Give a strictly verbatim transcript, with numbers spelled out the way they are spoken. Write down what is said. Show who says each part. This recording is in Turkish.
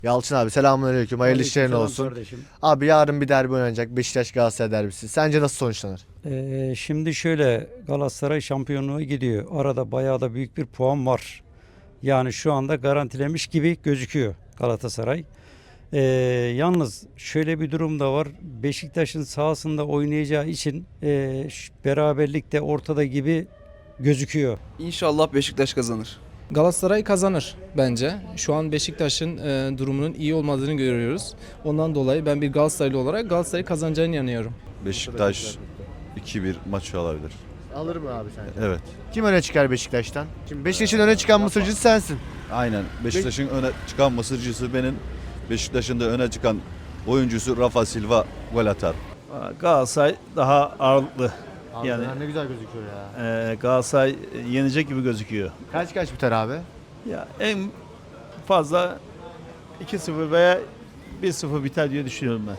Speaker 1: Yalçın abi selamünaleyküm. Hayırlı işlerin
Speaker 2: Aleykümselam
Speaker 1: olsun.
Speaker 2: kardeşim.
Speaker 1: Abi yarın bir derbi oynanacak. Beşiktaş Galatasaray derbisi. Sence nasıl sonuçlanır?
Speaker 2: Ee, şimdi şöyle Galatasaray şampiyonluğa gidiyor. Arada bayağı da büyük bir puan var. Yani şu anda garantilemiş gibi gözüküyor Galatasaray. Ee, Yalnız şöyle bir durum da var. Beşiktaş'ın sahasında oynayacağı için e, ş- beraberlik de ortada gibi gözüküyor.
Speaker 3: İnşallah Beşiktaş kazanır.
Speaker 4: Galatasaray kazanır bence. Şu an Beşiktaş'ın e, durumunun iyi olmadığını görüyoruz. Ondan dolayı ben bir Galatasaraylı olarak Galatasaray kazanacağını inanıyorum.
Speaker 5: Beşiktaş iki bir maçı alabilir.
Speaker 1: Alır mı abi sence?
Speaker 5: Evet.
Speaker 1: Kim öne çıkar Beşiktaş'tan? Şimdi Beşiktaş'ın öne çıkan mısırcısı sensin.
Speaker 5: Aynen. Beşiktaş'ın öne çıkan mısırcısı benim. Beşiktaş'ın da öne çıkan oyuncusu Rafa Silva gol atar.
Speaker 6: Galatasaray daha ağırlıklı.
Speaker 1: Abi
Speaker 6: Yani-
Speaker 1: ne güzel gözüküyor ya.
Speaker 6: Ee, Galatasaray yenecek gibi gözüküyor.
Speaker 1: Kaç kaç biter abi?
Speaker 6: Ya en fazla iki sıfır veya bir sıfır biter diye düşünüyorum ben.